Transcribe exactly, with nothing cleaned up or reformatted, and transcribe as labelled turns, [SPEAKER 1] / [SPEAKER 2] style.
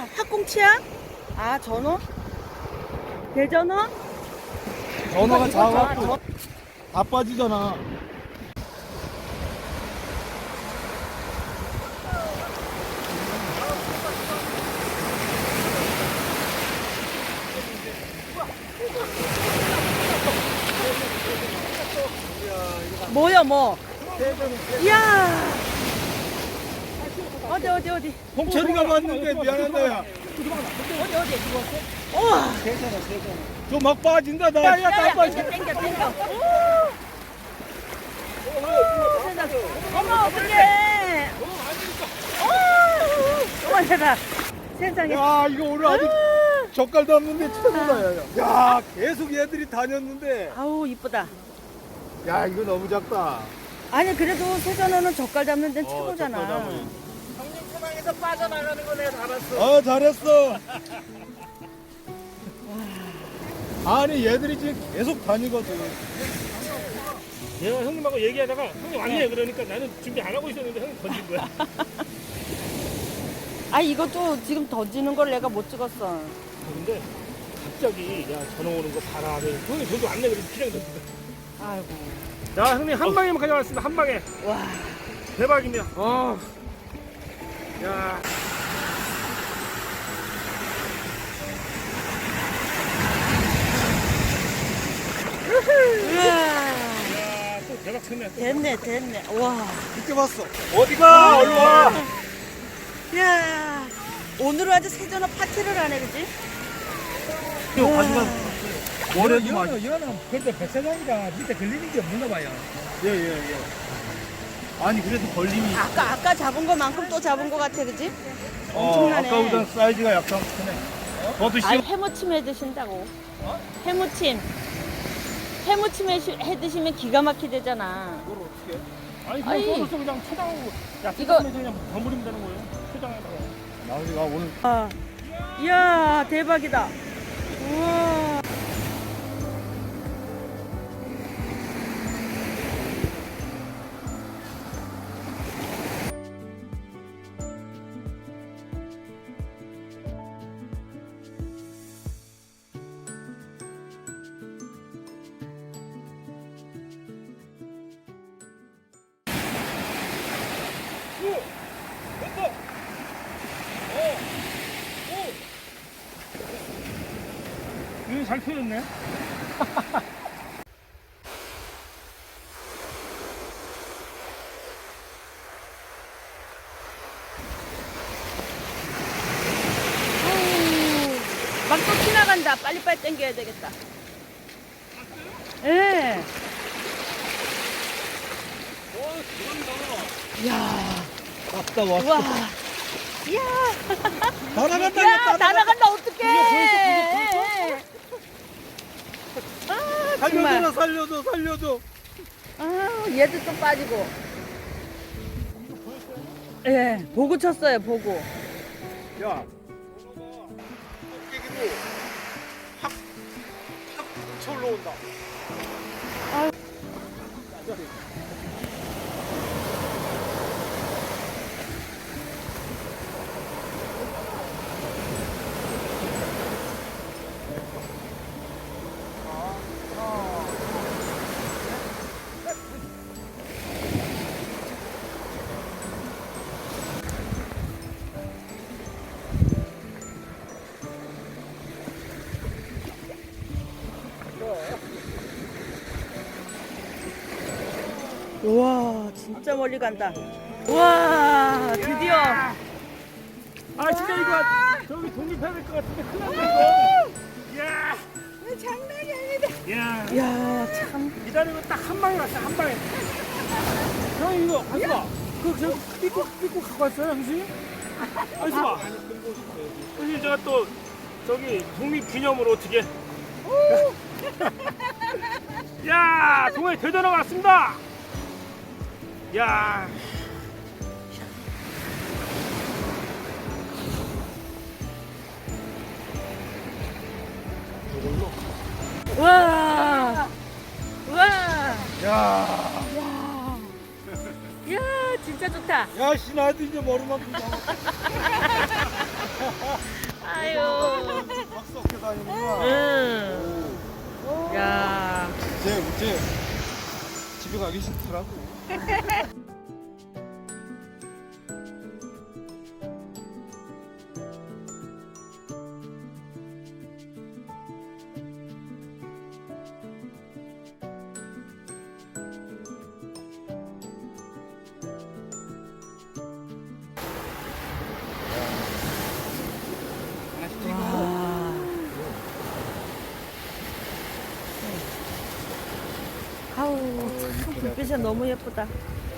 [SPEAKER 1] 뭐야? 학꽁치야? 아, 전어? 대전어?
[SPEAKER 2] 전어가
[SPEAKER 1] 이거
[SPEAKER 2] 작아갖고
[SPEAKER 1] 전-
[SPEAKER 2] 다 빠지잖아.
[SPEAKER 1] 뭐야, 뭐? 이야! 어디, 어디, 어디?
[SPEAKER 2] 홍철이가 봤는데 미안한다 야.
[SPEAKER 1] 어디, 어디? 우와!
[SPEAKER 2] 저 막 빠진다 나.
[SPEAKER 1] 야, 야, 땡겨, 땡겨, 땡겨. 오! 오, 세상. 어머, 어떡해. 오! 어머, 세상. 세상에.
[SPEAKER 2] 야 이거 오늘 아직
[SPEAKER 1] 아!
[SPEAKER 2] 젓갈도 없는데 최고다 야. 야 계속 얘들이 다녔는데.
[SPEAKER 1] 아우, 이쁘다.
[SPEAKER 2] 야 이거 너무 작다.
[SPEAKER 1] 아니, 그래도 세전어는 젓갈 잡는 데는
[SPEAKER 2] 어,
[SPEAKER 1] 최고잖아.
[SPEAKER 2] 젓갈 잡으니.
[SPEAKER 3] 형님 토방에서 빠져나가는 거 내가 알았어.
[SPEAKER 2] 아 잘했어. 아니 얘들이 지금 계속 다니거든.
[SPEAKER 3] 내가 형님하고 얘기하다가 형님 왔네 그러니까 나는 준비 안 하고 있었는데 형님 던진 거야.
[SPEAKER 1] 아, 이것도 지금 던지는 걸 내가 못 찍었어.
[SPEAKER 3] 근데 갑자기 야 전화 오는 거 봐라. 형님 저도 왔네 그래서 그냥 던진 거야.
[SPEAKER 1] 아이고.
[SPEAKER 3] 자 형님 한 방에만 가져왔습니다. 한 방에.
[SPEAKER 1] 와.
[SPEAKER 3] 대박이네요. 어. 야.
[SPEAKER 1] 우와.
[SPEAKER 3] 야, 또 대박 쳤네. 또.
[SPEAKER 1] 됐네, 됐네. 와.
[SPEAKER 2] 늦게 봤어. 어디가? 얼른 와.
[SPEAKER 1] 야. 오늘은 아주 세전어 파티를 하네, 그지?
[SPEAKER 2] 이거
[SPEAKER 1] 우와.
[SPEAKER 2] 가져가. 머리도 많이.
[SPEAKER 4] 이거는 이거는 그래도 백사장이가 밑에 걸리는 게 없는가 봐요.
[SPEAKER 2] 예예 예. 아니 그래도 걸림이.
[SPEAKER 1] 아까, 아까 잡은 것만큼 또 잡은 것 같아, 그지?
[SPEAKER 2] 어,
[SPEAKER 1] 엄청나네.
[SPEAKER 2] 아까보다 사이즈가 약간 크네. 더 드시.
[SPEAKER 1] 아니, 해무침 해 드신다고. 해무침. 해무침 해, 해 드시면 기가 막히대잖아.
[SPEAKER 2] 이걸 어떻게?
[SPEAKER 3] 아니
[SPEAKER 1] 아니.
[SPEAKER 3] 그냥 써서 그냥 초장하고 야
[SPEAKER 1] 이거-
[SPEAKER 3] 이거 그냥 버무리면 되는 거예요. 초장에다가.
[SPEAKER 2] 나 우리가 오늘
[SPEAKER 1] 아. 이야, 대박이다. 우와.
[SPEAKER 3] 이거 잘 펴졌네.
[SPEAKER 1] 막 또 지나간다. 빨리빨리 당겨야 되겠다. 예. 이야.
[SPEAKER 2] 왔다 왔다.
[SPEAKER 1] 우와. 이야.
[SPEAKER 2] 다 나간다.
[SPEAKER 1] 야,
[SPEAKER 2] 이거
[SPEAKER 1] 다 나간다. 어떡해. 아,
[SPEAKER 2] 살려줘
[SPEAKER 1] 정말.
[SPEAKER 2] 살려줘 살려줘.
[SPEAKER 1] 아, 얘도 또 빠지고. 예, 보고 쳤어요, 보고.
[SPEAKER 2] 야. 깨기도 확확 뭉쳐 올라온다.
[SPEAKER 1] 우와, 진짜 멀리 간다. 우와, 드디어.
[SPEAKER 3] 아 진짜 이거 저기 독립해야 될 것 같은데 큰일 났네 이거. 야.
[SPEAKER 1] 장난이 아니다.
[SPEAKER 3] 야.
[SPEAKER 1] 이야, 참.
[SPEAKER 3] 기다리고 딱 한 방에 왔어 한 방에. 형 이거 가서 봐. 그저 삐꾸 삐꾸 갖고 왔어요 형수? 가서 봐. 형수 제가 또 저기 독립 기념으로 어떻게? 야 동해 대전어 왔습니다. 야.
[SPEAKER 1] 와. 와.
[SPEAKER 2] 야.
[SPEAKER 1] 야. 야, 진짜 좋다.
[SPEAKER 2] 야, 씨, 나도 이제 머리만 좀
[SPEAKER 1] 아유.
[SPEAKER 2] 막 섞여 다니는구나.
[SPEAKER 1] 응. 야.
[SPEAKER 2] 쟤, 쟤 집에 가기 싫더라고.
[SPEAKER 1] 아우, 참 불빛이 너무 예쁘다.